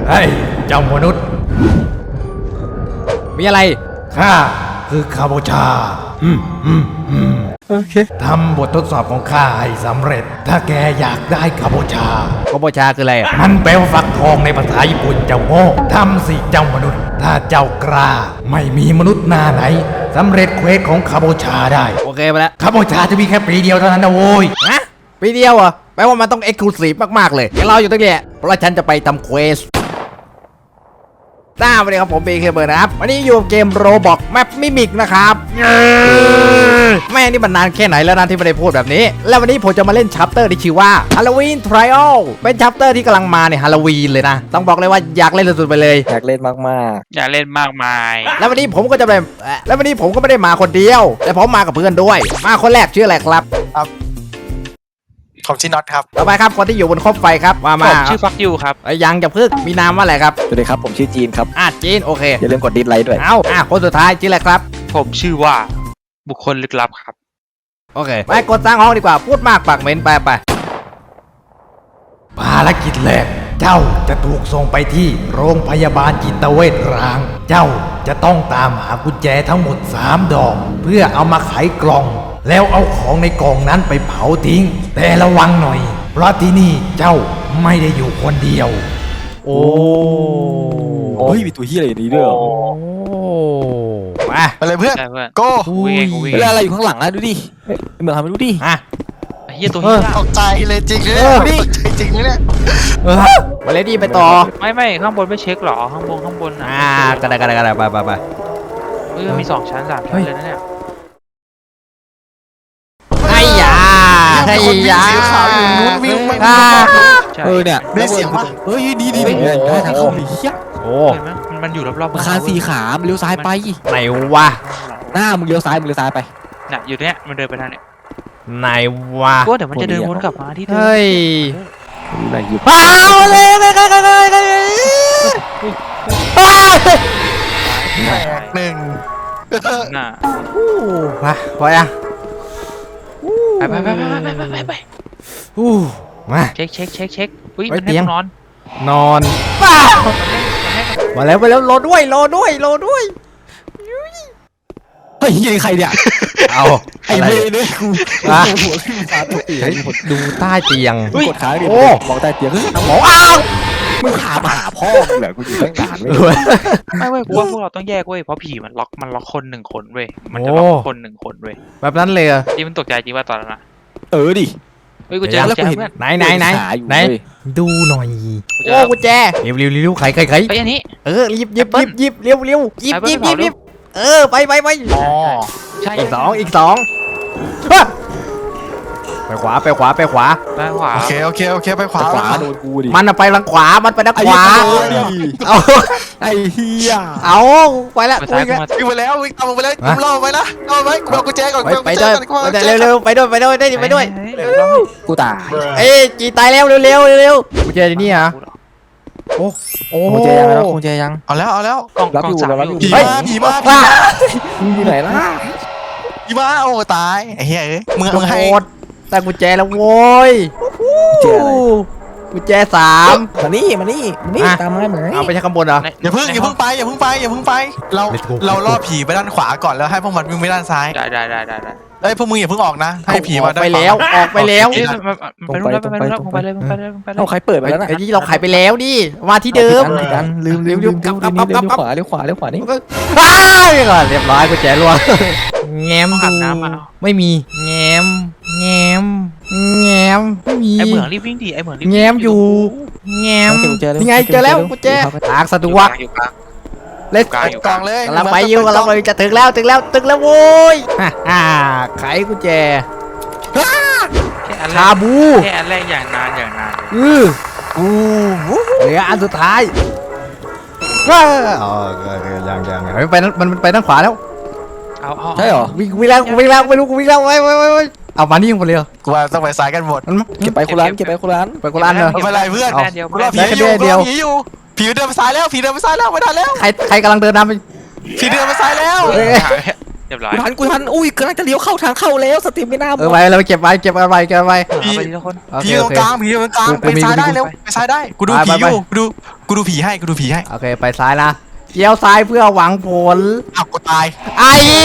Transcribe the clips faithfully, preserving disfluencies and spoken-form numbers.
เฮ้ยเจ้ามนุษย์มีอะไรข้าคือคาโบชาอืมอืมอืมโอเคทำบททดสอบของข้าให้สำเร็จถ้าแกอยากได้คาโบชาคาโบชาคืออะไรมันแปลว่าฟักทองในภาษาญี่ปุ่นเจ้าโง่ทำสิเจ้ามนุษย์ถ้าเจ้ากล้าไม่มีมนุษย์หน้าไหนสำเร็จเควสของคาโบชาได้โอเคไปแล้วคาโบชาจะมีแค่ปีเดียวเท่านั้นนะโว้ยฮะปีเดียวอ่ะแปลว่ามันต้องเอ็กซ์คลูซีฟมากๆเลยเราอยู่ตรงนี้เพราะฉันจะไปทำเควสจ้าวันนี้ครับผมเบย์เคเบิร์นะครับวันนี้อยู่เกมโรบอกแมปมิมิกนะครับแม่นี่มันนานแค่ไหนแล้วนะที่ไม่ได้พูดแบบนี้แล้ววันนี้ผมจะมาเล่นชัปเตอร์ที่ชื่อว่า Halloween Trial เป็นชัปเตอร์ที่กำลังมาในฮาโลวีนเลยนะต้องบอกเลยว่าอยากเล่นสุดๆไปเลยอยากเล่นมากๆอยากเล่นมากมายแล้ววันนี้ผมก็จะไปแล้ววันนี้ผมก็ไม่ได้มาคนเดียวแต่ผมมากับเพื่อนด้วยมาคนแรกชื่ออะไรครับครับผมชื่อน็อตครับต่อไปครับคนที่อยู่บนคบไฟครับมามาผมชื่อฟักยูครับยังจะพึ่งมีนามว่าอะไรครับสวัสดีครับผมชื่อจีนครับอ่ะจีนโอเคอย่าลืมกดดิสไลค์ด้วยเอาอ่ะคนสุดท้ายชื่ออะไรครับผมชื่อว่าบุคคลลึกลับครับโอเคไปกดสร้างห้องดีกว่าพูดมากปากเหม็นไปไปภารกิจแรกเจ้าจะถูกส่งไปที่โรงพยาบาลจิตเวชร้างเจ้าจะต้องตามหากุญแจทั้งหมดสามดอกเพื่อเอามาไขกล่องแล้วเอาของในกล่องนั้นไปเผาทิ้งแต่ระวังหน่อยเพราะที่นี่เจ้าไม่ได้อยู่คนเดียวโอ้โอ้ยมีตัวเฮียอะไรนี้ด้วยเหรอมาไปเลยเพื่อนโก้เวลาอะไรอยู่ข้างหลังอะดูดิเหมือนทำไปดูดิอ่ะเฮียตัวเฮียตกใจเลยจริงเลยตกใจจริงเลยมาเลยดีไปต่อไม่ไม่ข้างบนไม่เช็คหรอข้างบนข้างบนอ่ากระไดกระไดกระไดไปไปไปเฮ้ยมีสองชั้นสามชั้นเลยนะเนี่ยไอ้ยาไอ้ยาเออเนี่ยได้เสียงป่ะเฮ้ยดีดีดีได้ทางเข้าเฮียโอ้เห็นไหมมันอยู่รอบๆคานสี่ขาเลี้ยวซ้ายไปไหนวะหน้ามึงเลี้ยวซ้ายมึงเลี้ยวซ้ายไปน่ะอยู่เนี้ยมันเดินไปทางเนี้ยไหนวะก็เดี๋ยวมันจะเดินวนกลับมาที่เดิมเฮ้ยไหนอยู่อ้าวเลยเลยเลยเลยเลยหนึ่งน่ะมาพอยังไปไปไปไปไปไปไปอู้มาเช็คเช็คเช็คเช็คอุ้ยมันให้นอนนอนมาแล้วมาแล้วรอด้วยรอด้วยรอด้วยเฮ้ยยังใครเนี่ยเอาไอ้เมย์เนี่ยกูหัวขึ้นฟ้าตกเตียงดูใต้เตียงกดขาดิมองใต้เตียงหมออ้าวมึงขามาหาพ่อมึงเหรอกูอยู่ตั้งนานไม่เว้ยกูว่าพวกเราต้องแยกเว้ยเพราะผีมันล็อกมันล็อกคนหนึ่งคนเว้ยมันจะล็อกคนหนึ่งคนเว้ยแบบนั้นเลยอ่ะที่มันตกใจจริงว่าตอนนั้นนะเออดิเฮ้ยกูเจอแล้วกูเห็นไหนไหนไหนไหนดูหน่อยโอ้กูแจเร็วเร็วเร็วไขไขไขไปอันนี้เออรีบยิบยิบยิบเร็วเร็วยิบยิบยิบยิบเออไปไปไปอ๋อใช่อีกสองอีกสองไปขวาไปขวาไปขวาไปขวาโอเคโอเคโอเคไปขวาขวาโดนกูดิมันไปทางขวามันไปทางขวาเอาไอ้เฮียเอาไปแล้ววิ่งไปแล้ววิ่งตามไปเลยกูรอไปละรอไปกูเอากุญแจก่อนไปด้วยเร็วเร็วไปด้วยไปด้วยได้ดิไปด้วยกูตายเอ้จีตายแล้วเร็วเร็วเร็วกุญแจนี่อ่ะโอ้โอ้กุญแจยังแล้วกุญแจยังเอาแล้วเอาแล้วกล่องรับอยู่รับอยู่ผีมาผีมาผีมามึงอยู่ไหนล่ะผีมาโอ้ตายไอ้เหี้ยเอ้ยมึงมึงให้แต่กุญแจแล้วโว้ยกุญแจสามมานี่มานี่นี่ตามมาเหมือนเอาไปใช้ข้างบนเหรออย่าเพิ่งอย่าเพิ่งไปอย่าเพิ่งไปอย่าเพิ่งไปเราเราล่อผีไปด้านขวาก่อนแล้วให้พวกมันวิ่งไปด้านซ้ายได้ได้ได้ได้ได้เอ้ยพวกมึงอย่าเพิ่งออกนะให้ผีมาไปแล้วออกไปแล้วไปไปไปไปไปเลยไปเลยไปเลยเราใครเปิดไปแล้วนะไอ้นี่เราขายไปแล้วดิมาที่เดิมลืมลืมลืมลืมลืมเลี้ยวขวาเลี้ยวขวาเลี้ยวขวานี่อ้าวก่อนเรียบร้อยกุญแจรัวแง้มดูไม่มีแง้มแง้มแง้มไม่มีไอ้เหมืองรีบวิ่งดิไอ้เหมืองรีบแง้มอยู่แง้มยังไงเจอแล้วกุญแจทางสะดวกเล่นกล่องเลยกำลังไปอยู่กำลังไปจะถึงแล้วถึงแล้วถึงแล้วโว้ยฮ่าไขกุญแจคาบูแค่อันแรกอย่างนานอย่างนานอืออู้เหลืออันสุดท้ายว้าอ๋อยังยังยังไปนั่นมันไปด้านขวาแล้วเอาเอาใช่เหรอวิ่งวิ่งแล้ววิ่งแล้วไม่รู้กูวิ่งแล้วไว้ไว้ไว้เอามานี่คนเดียวกูว่าต้องไปซ้ายกันหมดเก็บไปคนละเก็บไปคนละไปคนละเลยไม่เป็นไรเพื่อนเดียวผีอยู่ผีอยู่ผีเดินไปซ้ายแล้วผีเดินไปซ้ายแล้วไม่ทันแล้วใครใครกำลังเดินนำไปผีเดินไปซ้ายแล้วเรียบร้อยกูทันกูทันอุ้ยกำลังจะเลี้ยวเข้าทางเข้าแล้วสตรีมไม่น่าเออไว้เราเก็บไว้เก็บเอาไว้เก็บเอาไว้เอาไปทีละคนโอเคผีตโอรงเคกลางผีตรงกลางกูไปมีซ้ายได้กูมีเร็วไปซ้ายได้กูดูไปผีไปอยู่กูดูกูดูผีให้กูดูผีให้โอเคไปซ้ายนะเลี้ยวซ้ายเพื่อหวังผลอ้าวกูตายไอ้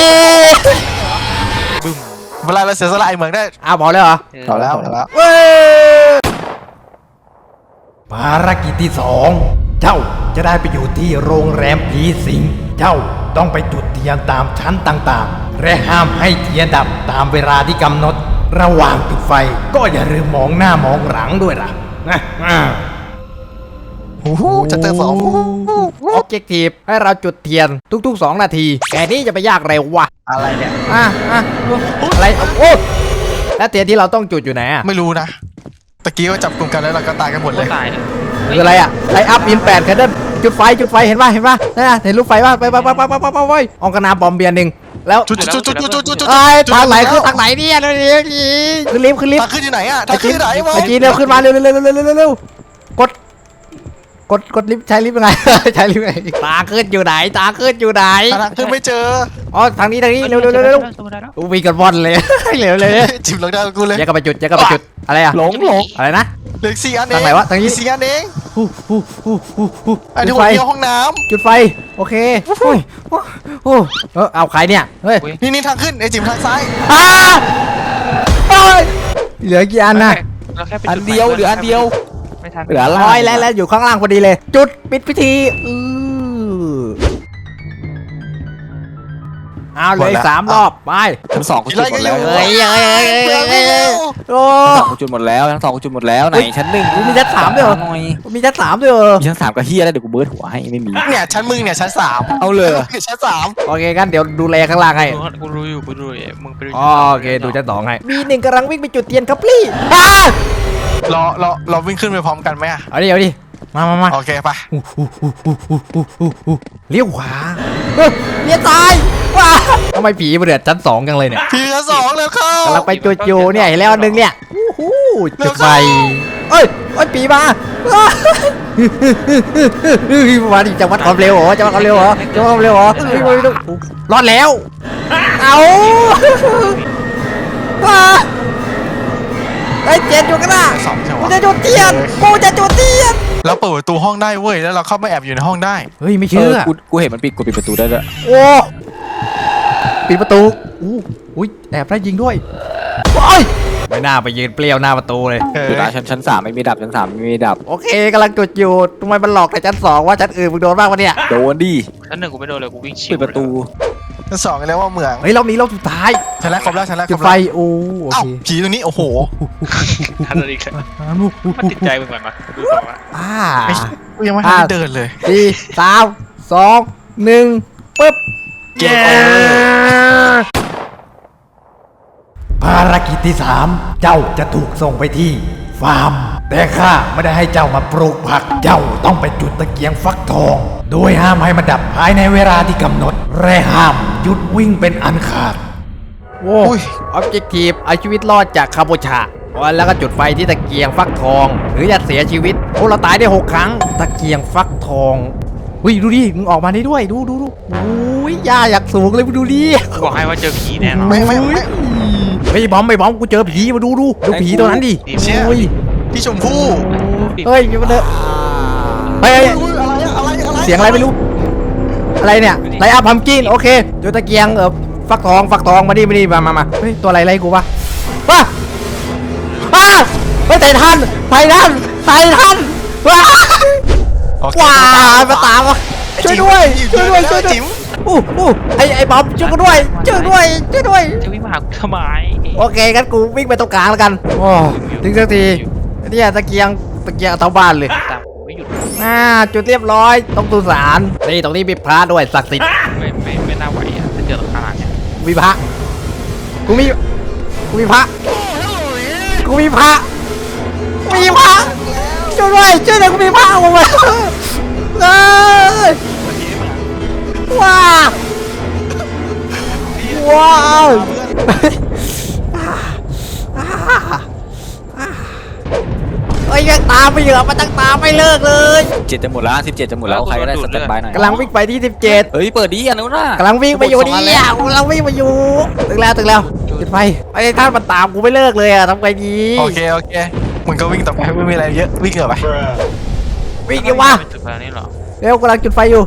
บึ้มเวลาเราเสียสละไอ้เหมืองได้อ้าวบอกเลยเหรอเอาแล้วเอาแล้วเว้ยภารกิจที่สองเจ้าจะได้ไปอยู่ที่โรงแรมผีสิง เจ้าต้องไปจุดเทียนตามชั้นต่างๆ และห้ามให้เทียนดับตามเวลาที่กำหนด ระหว่างจุดไฟก็อย่าลืมมองหน้ามองหลังด้วยล่ะนะอ่าโอ้โหจะเจอสองออบเจกตีฟให้เราจุดเทียนทุกๆสองนาทีแกนี้จะไปยากเร็ววะอะไรเนี่ยอ่ะอ่ะอะไรโอ้แล้วเทียนที่เราต้องจุดอยู่ไหนอ่ะไม่รู้นะตะกี้ว่าจับกลุ่มกันแล้วเราก็ตายกันหมดเลยตายเลยคืออะไรอ่ะไลอัพอินแปดแคนเดิลจุดไฟจุดไฟเห็นป่ะเห็นป่ะนั่นน่ะเห็นลูกไฟป่ะไปไปไปไปไปไปไปไปออกกระนาบอมเบียร์หนึ่งแล้วจุดจุดจุดจุดจุดจุดจุดไอ้ทางไหนคือทางไหนเนี่ยเร็วเร็วขึ้นลิฟต์ขึ้นลิฟทางต์ขึ้นอยู่ไหนอะทาไอ้งจีขึ้นอยู่ไหนวะไอ้จีเร็วขึ้นมาเร็วเร็วเร็วเร็วเร็วเร็วกดกดกดลิฟต์ใช้ลิฟต์ยังไง ใช้ลิฟต์ยังไงตาขึ้นอยู่ไหนตาขึ้นอยู่ไหนทางขึ้นไม่เจออ๋อทางนี้ทางนี้เร็วเร็วเร็วเร็วอู้วิ่งกันว่อนเลยเร็วเลยจิ้มลงได้กูเลยแยกกันไปจุดแยกกันไปจุดอะไรอะหลงหลงอะไรนะเหลือสี่อันเองทางไหนวะทางนี้สี่อันเองฮู้ฮู้ฮู้ฮู้ฮู้อันจุที่ดหัไฟวเดียวห้องน้จุดไฟโอเคโอ้ยโอ้ยโอ้ยเออเอาใครเนี่ยเฮ้ยำนี่นี่ทางขึ้นไอ้จิ๋มทางซ้ายอ้าโอ้ยเหลือกี่อันนะเราแค่ไปอันเดียวเหลืออันเดียวไม่ทันเหลืออะไรร้อยแล้วแล้วอยู่ข้างล่างพอดีเลย จุดปิดพิธีอือเอาเหลยสามรอบไปทั้งสองกูจุดหมดแล้วเฮ้ยเฮ้ยเฮ้ยเฮ้ยเฮ้ยโอ้ทั้งสองกูจุดหมดแล้วทั้งสองกูจุดหมดแล้วไหนชั้นหนึ่งมีชั้นสามด้วยเหรอหน่อยมีชั้นสามด้วยเหรอมีชั้นสามกับเฮียแล้วเดี๋ยวกูเบิร์ดหัวให้ไม่มีเนี่ยชั้นมึงเนี่ยชั้นสามเอาเลยเนี่ยชั้นสามโอเคกันเดี๋ยวดูแลข้างล่างให้กูรู้อยู่กูรู้อยู่มึงไปดูอ๋อโอเคดูชั้นสองให้มีหนึ่งกำลังวิ่งไปจุดเทียนครับพี่อ้ารอรอเราวิ่งขึ้นไปพร้อมกันไหมอะเอาดิเอาดิมามามาโอเคไปเลี้ยวขวาเฮ้ยเลี้ยวซ้ายว้าทำไมผีมาเดือดชั้นสองจังเลยเนี่ยพี่ชั้นสองแล้วเข้ากำลังไปจุดอยู่เนี่ยเห็นแล้วอันหนึงเนี่ยอู้หูจุดไฟเอ้ยเอ้ยปีมามาดิจะวัดความเร็วเหรอจะวัดความเร็วเหรอจะวัดความเร็วเหรอเฮ้ยเฮ้ยเฮ้ยรอดแล้วเอาว้าไอ้เจ็ดอยู่กันนะสองใช่กูวะจะจุดเทียนกูจะจุดเทียนเราเปิดประตูห้องได้เว้ยแล้วเราเข้ามาแอบอยู่ในห้องได้เฮ้ยไม่เอเชื่ออกูกูเห็นมันปิดกูปิดประตูได้ด้วยโอ้ปิดประตูอู้อุ้ยแอบได้ยิงด้วยโอ้ยไม่น่าไปยืนเปรี้ยวหน้าประตูเลยเออจุดนะชั้นชั้นสามไม่มีดับชั้นสามไม่มีดับโอเคกำลังจุดอยู่ทำไมมันหลอกแต่ชั้นสองว่าชั้นอื่นมึงโดนบ้างวะเนี่ยโดนดิชั้นหนึ่งกูไม่โดนเลยกูวิ่งชิปิวดประตูชั้นสองเรียกว่าเหมืองเฮ้ยรอบนี้รอบสุดท้ายชั้นแรกครบแล้วชั้นแรกคจุรดบไฟแล้วโอ้โอเอ้าเคผีตรงนี้โอ้โหทันเลยแค่มันติดใจมึงก่อนมาดูก่อนว่าอ่าไม่กูยังไม่ทันได้เดินเลยสี่สามสองหนึ่งปึ๊บเย้ภารกิจที่สามเจ้าจะถูกส่งไปที่ฟาร์ม แต่ข้าไม่ได้ให้เจ้ามาปลูกผัก เจ้าต้องไปจุดตะเกียงฟักทอง โดยห้ามให้มันดับภายในเวลาที่กำหนด และห้ามหยุดวิ่งเป็นอันขาดโว้ออบเจกตีฟเอาชีวิตรอดจากคาโบชาแล้วก็จุดไฟที่ตะเกียงฟักทอง หรือจะเสียชีวิตโอ้เราตายได้หกครั้งตะเกียงฟักทองเฮ้ยดูดิมึงออกมาได้ด้วยดูดูดูโอ้ยย่าอยากสูงเลยมึงดูดิกูบอกให้ว่าเจอผีแน่นอนไม่ไม่ไม่เฮ้ยบอมไม่บอมกูเจอผีมาดูดูดูผีตัวนั้นดิเชี่ยโอ้ยพี่ชมพู่เฮ้ยมันเด้อเฮ้ยเฮ้ยอุ๊ยอะไรอะอะไรอะไรเสียงอะไรไม่รู้ อะไรเนี่ยไลอัพพัมกินโอเคเดี๋ยวตะเกียงเออฟักทองฟักทองมาดิมาดิมามามาเฮ้ยตัวอะไรไล่กูวะว้าว้าเฮ้ยไททันไททันไททันว้าโอเคว้ามาตามวะช่วยด้วยช่วยด้วยช่วยด้วยจิ๋มอู้อู้ไอไอบอมช่วยกูด้วยช่วยด้วยช่วยด้วยจะวิ่งมาหากูทำไมโอเคงั้นกูวิ่งไปตรงกลางแล้วกันโอ้ถึงสักทีเนี่ยตะเกียงตะเกียงเอาเท่าบ้านเลยตามกูไม่หยุดอ่าจุดเรียบร้อยตรงตุสารนี่ตรงนี้มีพระด้วยศักดิ์สิทธิ์ไม่ไม่ไม่น่าไหวอ่ะถ้าเจอตรงขนาดเนี้ยมีพระกูมีกูมีพระกูมีพระกูมีพระช่วยด้วยช่วยหน่อยกูมีพระออกมาเอ้ยว้าวว้าวเฮ้ยยังตามไปเหรอมันตั้งตามไม่เลิกเลยเจ็ดจะหมดแล้วสิบเจ็ดจะหมดแล้วใครก็ได้สเต็ปบายหน่อยกำลังวิ่งไปที่สิบเจ็ดเฮ้ยเปิดดีอันนู้นน่ะกำลังวิ่งไปอยู่นี่อ่ะกำลังวิ่งไปอยู่ถึงแล้วถึงแล้วจุดไฟไอ้ท่านมันตามกูไม่เลิกเลยอ่ะทำไงดีโอเคโอเคมึงก็วิ่งต่อไปไม่มีอะไรเยอะวิ่งเถอะไปวิ่งดิวะไม่จุดไฟนี่หรอเร็วกำลังจุดไฟอยู่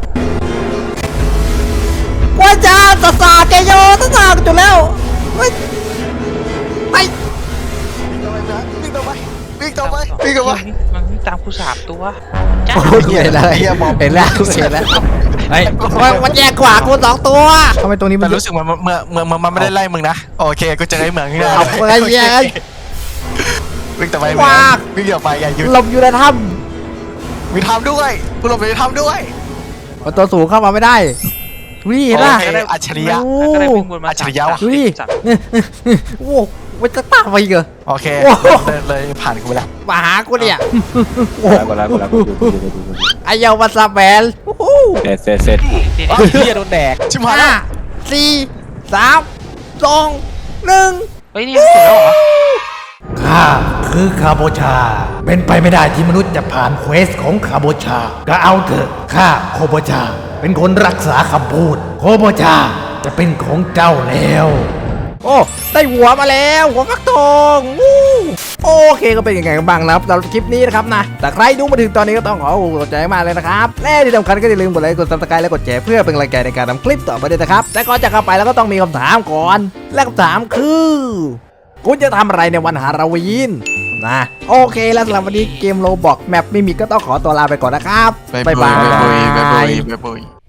ว่าจ้าสสาเจโยสสาจุดแล้วเฮ้ยไปวิ่งต่อไปวิ่งต่อไปวิ่งต่อไปมันวิ่งตามกูสามตัวจ้าโอ้ยเห็นแล้วเห็นแล้วเห็นแล้วเฮ้ยมันมันแยกขวากูสองตัวทำไมตรงนี้มัแต่นรู้สึกมันเมื่อเมื่อเมื่อมันไม่ได้ไล่มึงนะโอเคกูจะได้เหมืองนี่เลยเอาไปแยกวิ่งต่อไปว้าวิ่งต่อไปอย่าหยุดหลบอยู่ในถ้มีทำด้วยกูหลบในทำด้วยำมันตัวสูงเข้ามาไม่ได้วิ่งเห็นป่ะโอเคอัจฉริยะโอ้ก็ได้วิ่งวนมาอัจฉริยะว่ะดูดิสามโอ้โหมันจะตามไปอีกเหรอโอเคโอ้โหเลยเลยผ่านกูไปแล้วมาหากูเนี่ยกดแล้วกดแล้วกดแล้วกดแล้วกดแล้วไอเยาวมาซาแบนโอ้โหเสร็จเสร็จเสร็จทีนี้เฮ้ยเฮียโดนแดกชิบหายห้าแล้วสี่สามสองหนึ่งเฮ้ยนี่สุดแล้วเหรอข้าคือคาโบชา เป็นไปไม่ได้ที่มนุษย์จะผ่านเควสของคาโบชา ก็เอาเถอะข้าโคโบชา เป็นคนรักษาคำพูด โคโบชาจะเป็นของเจ้าแล้วโอ้ได้หัวมาแล้วหัวฟักทองวู้โอเคก็เป็นยังไงกันบ้างนะครับสำหรับคลิปนี้นะครับนะแต่ใครดูมาถึงตอนนี้ก็ต้องขอขอบใจมากเลยนะครับและที่สำคัญก็อย่าลืมกดไลค์กดซับสไครต์และกดแชร์เพื่อเป็นกำลังใจในการทำคลิปต่อไปด้วยนะครับแต่ก่อนจะเข้าไปแล้วก็ต้องมีคำถามก่อนและคำถามคือคุณจะทำอะไรในวันฮาโลวีนนะโอเคแล้วสำหรับวันนี้เกมโรบอกแมปไม่มีก็ต้องขอตัวลาไปก่อนนะครับบ๊ายบายบ๊ายบายบ๊ายบายบ๊ายบาย